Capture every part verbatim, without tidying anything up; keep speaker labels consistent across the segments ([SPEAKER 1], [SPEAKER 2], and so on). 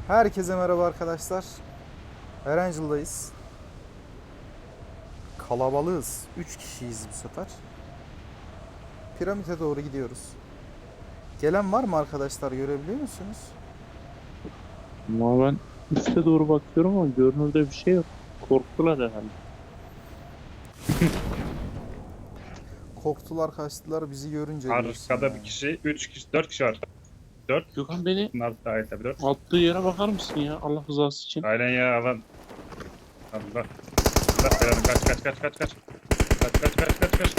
[SPEAKER 1] Herkese merhaba arkadaşlar. Erangel'dayız. Kalabalığız. üç kişiyiz bu sefer. Piramite doğru gidiyoruz. Gelen var mı arkadaşlar, görebiliyor musunuz?
[SPEAKER 2] Ama ben üste doğru bakıyorum ama görünürde bir şey yok. Korktular herhalde.
[SPEAKER 1] Korktular, kaçtılar bizi görünce diyorsun
[SPEAKER 3] Arkada
[SPEAKER 1] yani.
[SPEAKER 3] bir kişi, üç kişi, dört kişi var. Dört.
[SPEAKER 2] Gökhan beni
[SPEAKER 3] Bunlar dahil tabii dört.
[SPEAKER 2] attığı yere bakar mısın ya Allah rızası için?
[SPEAKER 3] Aynen ya alan. Allah. Allah belanı kaç kaç kaç kaç kaç. Kaç kaç kaç kaç kaç.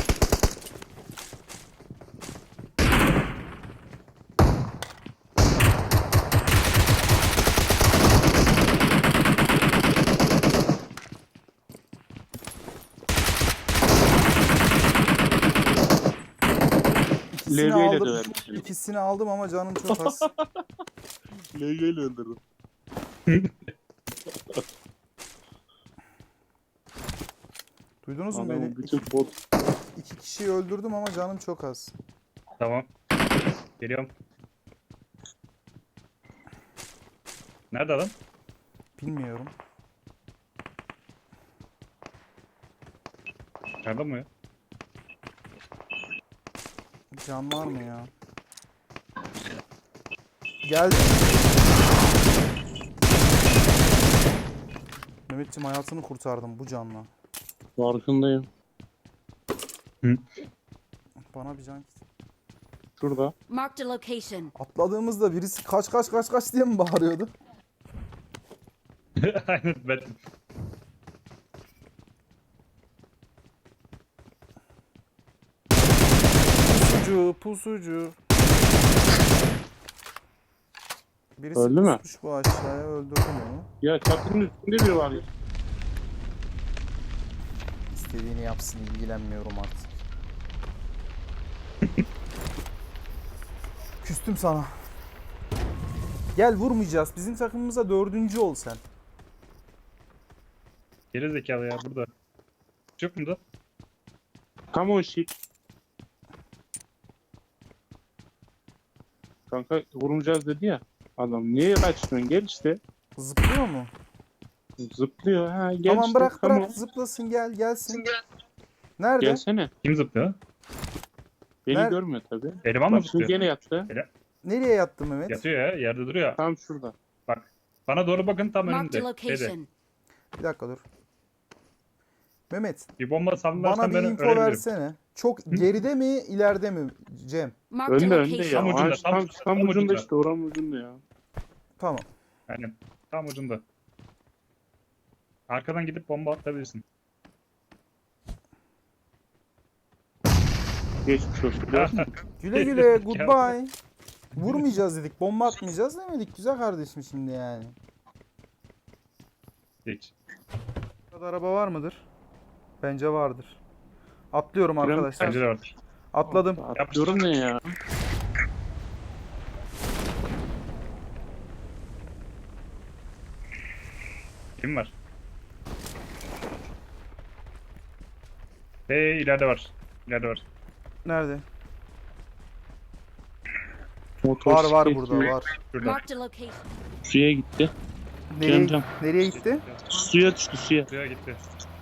[SPEAKER 1] İkisini
[SPEAKER 2] L G ile
[SPEAKER 1] aldım.
[SPEAKER 2] döverim seni.
[SPEAKER 1] İkisini aldım ama canım çok az.
[SPEAKER 2] L G ile öldürdüm.
[SPEAKER 1] Duydunuz mu beni?
[SPEAKER 2] Adamın bütün bot.
[SPEAKER 1] İki kişiyi öldürdüm ama canım çok az.
[SPEAKER 3] Tamam. Geliyorum. Nerede adam?
[SPEAKER 1] Bilmiyorum.
[SPEAKER 3] Nerede mi ya?
[SPEAKER 1] Can var mı ya? Geldi. Mehmetciğim, hayatını kurtardım bu canla.
[SPEAKER 2] Farkındayım.
[SPEAKER 1] Bana bir can.
[SPEAKER 2] Şurada.
[SPEAKER 4] Marked a location.
[SPEAKER 1] Atladığımızda birisi kaç kaç kaç kaç diye mi bağırıyordu?
[SPEAKER 3] Aynen ben.
[SPEAKER 1] Pusucu, pusucu. Birisi
[SPEAKER 2] Öldü mü?
[SPEAKER 1] pusmuş bu aşağıya, öldürdüm onu.
[SPEAKER 2] Ya çatının üstünde biri var ya.
[SPEAKER 1] İstediğini yapsın, ilgilenmiyorum artık. Küstüm sana. Gel, vurmayacağız. Bizim takımımıza dördüncü ol sen.
[SPEAKER 3] Geri zekalı ya burada. Yok mu da?
[SPEAKER 2] Come on shit. Kanka vurmayacağız dedi ya. Adam niye kaçıyorsun? Gel işte.
[SPEAKER 1] Zıplıyor mu?
[SPEAKER 2] Zıplıyor ha gel
[SPEAKER 1] Tamam,
[SPEAKER 2] işte.
[SPEAKER 1] bırak
[SPEAKER 2] Come
[SPEAKER 1] bırak
[SPEAKER 2] on.
[SPEAKER 1] zıplasın, gel gelsin. Nerede?
[SPEAKER 2] Gelsene.
[SPEAKER 3] Kim zıplıyor?
[SPEAKER 2] Beni
[SPEAKER 1] Nerede?
[SPEAKER 2] görmüyor tabi.
[SPEAKER 3] Eleman mı
[SPEAKER 2] Bak şimdi
[SPEAKER 3] zıplıyor?
[SPEAKER 2] gene yattı.
[SPEAKER 1] Nereye yattı Mehmet?
[SPEAKER 3] Yatıyor ya, yerde duruyor.
[SPEAKER 2] Tam şurada.
[SPEAKER 3] Bak. Bana doğru bakın, tam
[SPEAKER 4] Marked a
[SPEAKER 3] önümde. Şeyde.
[SPEAKER 4] location.
[SPEAKER 1] Bir dakika dur. Mehmet,
[SPEAKER 3] Bir bomba
[SPEAKER 1] bana
[SPEAKER 3] sallarsan
[SPEAKER 1] bir
[SPEAKER 3] ben
[SPEAKER 1] info
[SPEAKER 3] ölebilirim.
[SPEAKER 1] versene. Çok geride mi, ileride mi Cem?
[SPEAKER 4] Marked a
[SPEAKER 2] Önde önde ya.
[SPEAKER 4] location.
[SPEAKER 3] Tam ucunda,
[SPEAKER 2] Ağaç
[SPEAKER 3] tam-
[SPEAKER 2] tam, tam,
[SPEAKER 3] tam
[SPEAKER 2] ucunda
[SPEAKER 3] ucunda.
[SPEAKER 2] işte oranın ucunda ya.
[SPEAKER 1] Tamam.
[SPEAKER 3] Aynen. Tam ucunda. Arkadan gidip bomba atabilirsin.
[SPEAKER 2] Geçmiş olsun. Gördün mü?
[SPEAKER 1] Güle güle, goodbye. Vurmayacağız dedik, bomba atmayacağız demedik güzel kardeşim şimdi yani.
[SPEAKER 3] Geç.
[SPEAKER 1] Burada araba var mıdır? Bence vardır. Atlıyorum
[SPEAKER 2] Piramit
[SPEAKER 1] arkadaşlar.
[SPEAKER 3] Bence de vardır.
[SPEAKER 1] Atladım.
[SPEAKER 2] Atlıyorum ne ya?
[SPEAKER 3] Kim var? Hey, ileride var. İleride var.
[SPEAKER 1] Nerede?
[SPEAKER 2] Motor
[SPEAKER 1] Var var
[SPEAKER 2] siklet
[SPEAKER 1] burada
[SPEAKER 2] gibi.
[SPEAKER 1] var.
[SPEAKER 3] Şurada.
[SPEAKER 4] Marked a location.
[SPEAKER 2] Suya gitti.
[SPEAKER 1] Nereye,
[SPEAKER 2] Cem,
[SPEAKER 1] nereye gitti?
[SPEAKER 2] Suya düştü suya.
[SPEAKER 3] Suya gitti.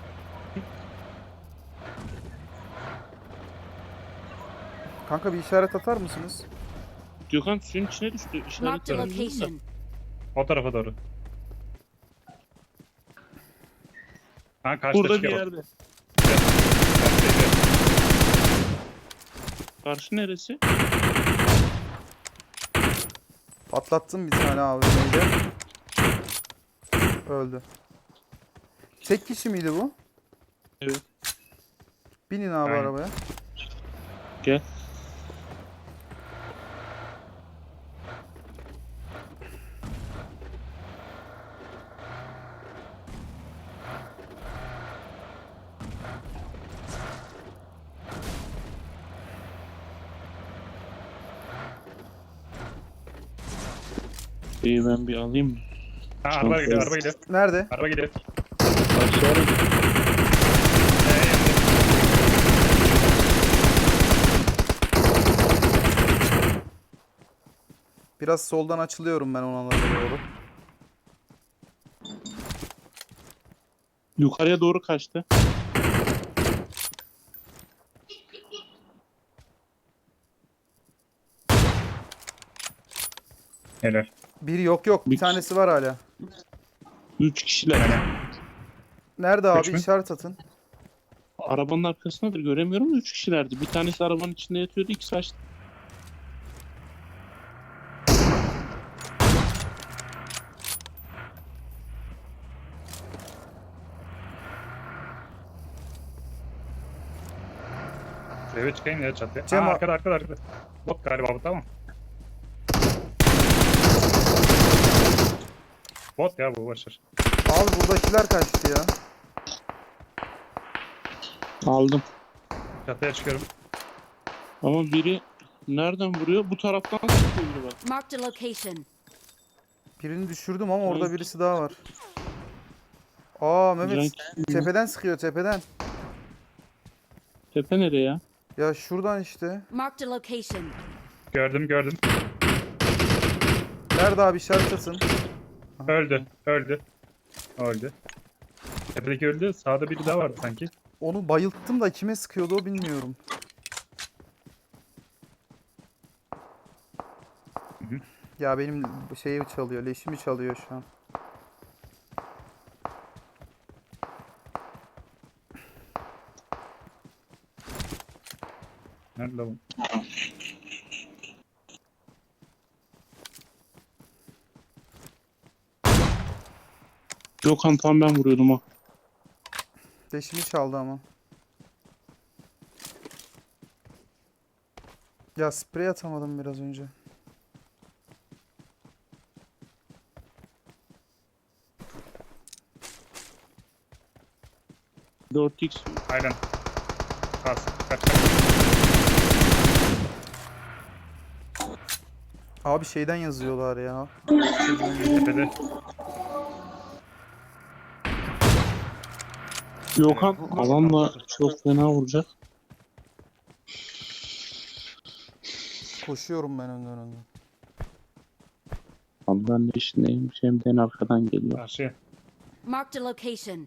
[SPEAKER 1] Kanka bir işaret atar mısınız?
[SPEAKER 2] Gökhan suyun içine düştü.
[SPEAKER 4] Marked a
[SPEAKER 2] İşaretlerim burada.
[SPEAKER 4] location.
[SPEAKER 3] O tarafa doğru. Ha, karşıda
[SPEAKER 2] Burada bir
[SPEAKER 3] çıkıyor.
[SPEAKER 2] yerde. Karşı neresi?
[SPEAKER 1] Patlattım bir tane abi. Neydi? Öldü. Tek kişi miydi bu?
[SPEAKER 2] Evet.
[SPEAKER 1] Binin abi
[SPEAKER 3] Aynen.
[SPEAKER 1] arabaya.
[SPEAKER 2] Gel. İyi ben bir alayım mı?
[SPEAKER 3] Ha, araba gidiyor, araba gidiyor.
[SPEAKER 1] Nerede?
[SPEAKER 3] Araba gidiyor.
[SPEAKER 2] Aşağıya
[SPEAKER 1] Biraz soldan açılıyorum ben ona doğru.
[SPEAKER 2] Yukarıya doğru kaçtı.
[SPEAKER 3] Helal.
[SPEAKER 1] Bir yok yok. Bir
[SPEAKER 2] Bir-
[SPEAKER 1] tanesi var hala.
[SPEAKER 2] Üç kişiler.
[SPEAKER 1] Nerede abi?
[SPEAKER 3] Üç mü?
[SPEAKER 1] İşaret atın.
[SPEAKER 2] Arabanın arkasındadır, göremiyorum da üç kişilerdi. Bir tanesi arabanın içinde yatıyordu, ikisi açtı.
[SPEAKER 3] Eve çıkayım ya çatıya.
[SPEAKER 1] Cem
[SPEAKER 3] Aa,
[SPEAKER 1] a-
[SPEAKER 3] arkada arkada arkada. Bot galiba bu, tamam. Bot ya bu, başır.
[SPEAKER 1] Abi buradakiler kaçtı ya.
[SPEAKER 2] Aldım.
[SPEAKER 3] Çatıya çıkıyorum.
[SPEAKER 2] Ama biri nereden vuruyor? Bu taraftan sıkıyor biri bak.
[SPEAKER 4] Marked a location.
[SPEAKER 1] Birini düşürdüm ama orada
[SPEAKER 2] Evet.
[SPEAKER 1] birisi daha var. Aa Mehmet
[SPEAKER 2] Can-
[SPEAKER 1] tepeden sıkıyor tepeden.
[SPEAKER 2] Tepe nereye ya?
[SPEAKER 1] Ya şuradan işte.
[SPEAKER 4] Marked a location.
[SPEAKER 3] Gördüm gördüm.
[SPEAKER 1] Nerede abi işaret atın.
[SPEAKER 3] Öldü. Öldü. Öldü. Tepedeki öldü. Sağda biri daha vardı sanki.
[SPEAKER 1] Onu bayılttım da kime sıkıyordu o bilmiyorum.
[SPEAKER 3] hı.
[SPEAKER 1] Ya benim şeyi çalıyor, leşimi çalıyor şu an.
[SPEAKER 3] Nerede bu?
[SPEAKER 2] Gökhan tam ben vuruyordum ha.
[SPEAKER 1] Leşimi çaldı ama. Ya sprey atamadım biraz önce.
[SPEAKER 2] dört x
[SPEAKER 3] Aynen. Kas. Kaç kaç.
[SPEAKER 1] Abi şeyden yazıyorlar ya.
[SPEAKER 3] Tepede.
[SPEAKER 2] Gökhan alanla çok fena vuracak.
[SPEAKER 1] Koşuyorum ben önden önden.
[SPEAKER 2] Abi ben de işindeyim. Cem'den arkadan geliyor.
[SPEAKER 3] Karşıya.
[SPEAKER 4] Marked a location.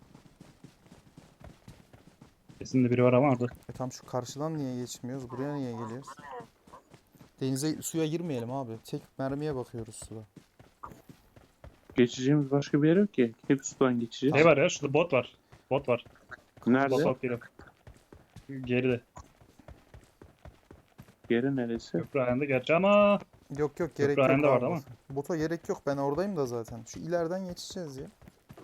[SPEAKER 3] Kesin de biri var ama orada.
[SPEAKER 1] E tam şu karşıdan niye geçmiyoruz? Buraya niye geliyoruz? Denize suya girmeyelim abi. Tek mermiye bakıyoruz suda.
[SPEAKER 2] Geçeceğimiz başka bir yer yok ki. Hep sudan geçeceğiz.
[SPEAKER 3] Ne var ya? Şurada bot var. Bot var. Bot
[SPEAKER 2] Nerede?
[SPEAKER 3] bot geliyor. Geride.
[SPEAKER 2] Yeri neresi?
[SPEAKER 3] Köprü ayağında gerçi ama
[SPEAKER 1] Yok yok gerek
[SPEAKER 3] Köprü
[SPEAKER 1] yok
[SPEAKER 3] ayağında
[SPEAKER 1] abi.
[SPEAKER 3] vardı ama.
[SPEAKER 1] Bota gerek yok. Ben oradayım da zaten. Şu ileriden geçeceğiz ya.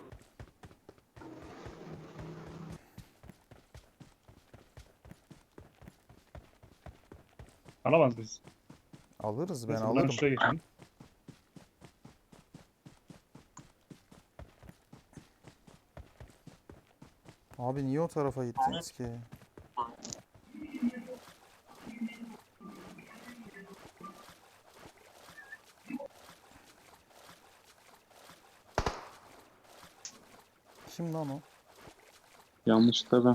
[SPEAKER 3] alamaz biz.
[SPEAKER 1] Alırız ben
[SPEAKER 3] Neyse, buradan
[SPEAKER 1] alırım.
[SPEAKER 3] şuraya geçelim.
[SPEAKER 1] Abi niye o tarafa gittiniz ki? Kim lan o?
[SPEAKER 2] Yanlış da ben.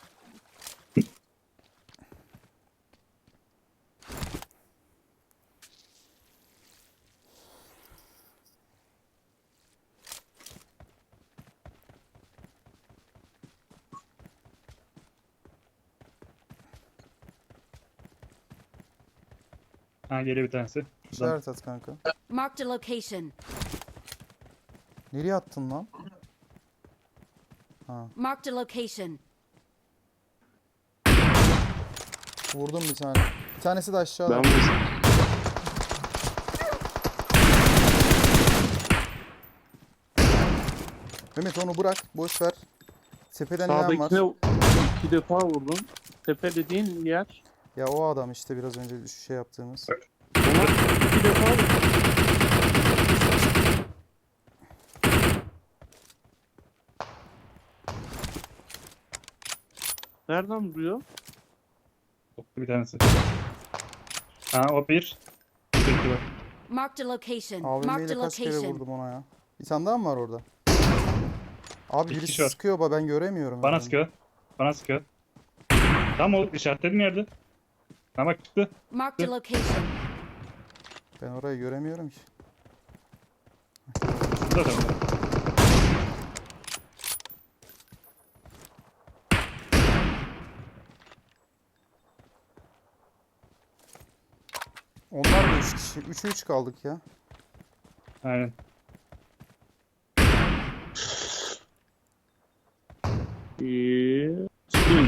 [SPEAKER 3] Ha, geliyor bir tanesi. Şuradan.
[SPEAKER 1] İşaret at kanka.
[SPEAKER 4] Marked a location.
[SPEAKER 1] Nereye attın lan? Ha,
[SPEAKER 4] Marked a location.
[SPEAKER 1] vurdum bir tane. Bir tanesi de aşağıda.
[SPEAKER 2] Ben vurdum.
[SPEAKER 1] Mehmet onu bırak. Boş ver. Tepeden inen var.
[SPEAKER 2] Sağdakine iki defa vurdum. Tepe dediğin yer.
[SPEAKER 1] Ya o adam işte biraz önce şu şey yaptığımız.
[SPEAKER 2] Ona iki defa vurdum. Nereden vuruyor?
[SPEAKER 3] Bottu bir tanesi. Ha, o bir. Bir de iki var.
[SPEAKER 4] Marked a location.
[SPEAKER 1] A V M
[SPEAKER 4] Marked
[SPEAKER 1] ile
[SPEAKER 4] a
[SPEAKER 1] kaç kere
[SPEAKER 4] location.
[SPEAKER 1] vurdum ona ya. Bir tane daha mı var orada? Abi
[SPEAKER 3] Bir
[SPEAKER 1] birisi
[SPEAKER 3] kişi var.
[SPEAKER 1] sıkıyor ama ben göremiyorum.
[SPEAKER 3] Bana
[SPEAKER 1] yani.
[SPEAKER 3] sıkıyor. Bana sıkıyor. Tam o işaretlediğim yerde. Ha bak çıktı.
[SPEAKER 4] Marked a location.
[SPEAKER 1] Ben orayı göremiyorum ki.
[SPEAKER 3] Şurada da.
[SPEAKER 1] kişi. üçe üç kaldık ya.
[SPEAKER 3] Aynen.
[SPEAKER 2] Ee, Spin.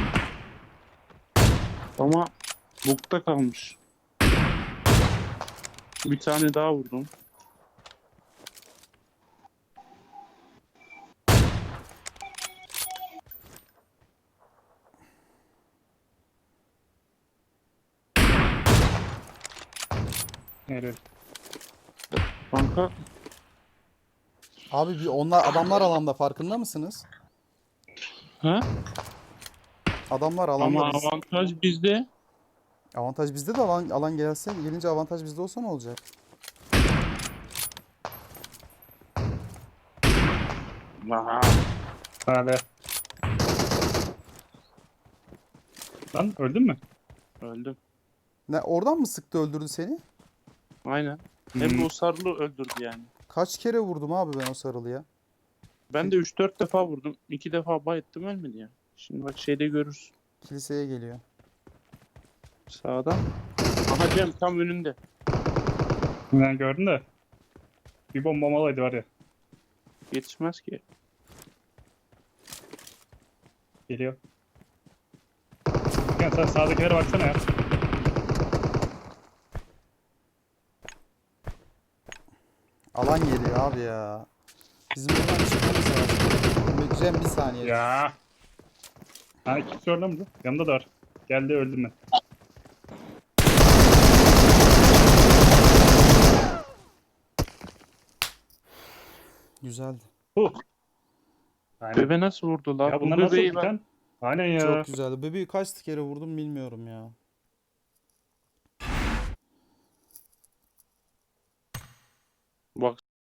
[SPEAKER 2] Ama bukta kalmış. Bir tane daha vurdum.
[SPEAKER 3] Evet.
[SPEAKER 2] Kanka
[SPEAKER 1] Abi bir onlar adamlar alanda farkında mısınız?
[SPEAKER 2] ha?
[SPEAKER 1] Adamlar
[SPEAKER 2] Ama
[SPEAKER 1] alanda biz.
[SPEAKER 2] avantaj bizde.
[SPEAKER 1] Avantaj bizde de alan, alan gelse gelince avantaj bizde olsa ne olacak?
[SPEAKER 2] Aha.
[SPEAKER 3] Hadi. Lan öldün mü?
[SPEAKER 2] Öldüm.
[SPEAKER 1] Ne oradan mı sıktı öldürdü seni?
[SPEAKER 2] Aynen. Hem
[SPEAKER 3] Hmm.
[SPEAKER 2] de o sarılı öldürdü yani.
[SPEAKER 1] Kaç kere vurdum abi ben o sarılıya?
[SPEAKER 2] Ben de üç dört defa vurdum. iki defa bayıttım ölmedi ya. Şimdi bak şeyde görürsün.
[SPEAKER 1] Kiliseye geliyor.
[SPEAKER 2] Sağdan. Aha Cem tam önünde.
[SPEAKER 3] Ben gördüm de. Bir bombamalaydı var ya.
[SPEAKER 2] Yetişmez ki.
[SPEAKER 3] Geliyor. Gel sen sağdakilere baksana ya.
[SPEAKER 1] Alan geliyor abi ya. Bizim buradan çıkmamız lazım. Cem bir saniye.
[SPEAKER 3] Ya. Ha ikisi orada mı? Yanımda da var. Geldi öldüm ben.
[SPEAKER 1] Güzeldi.
[SPEAKER 3] Huh. Aynen.
[SPEAKER 2] Bebe nasıl vurdu lan?
[SPEAKER 3] Ya
[SPEAKER 2] Bu
[SPEAKER 3] bunlar nasıl
[SPEAKER 2] bebeği
[SPEAKER 3] bir
[SPEAKER 2] ben...
[SPEAKER 3] tane? Aynen ya.
[SPEAKER 1] Çok güzeldi. Bebeği kaç kere vurdum bilmiyorum ya.
[SPEAKER 2] Bak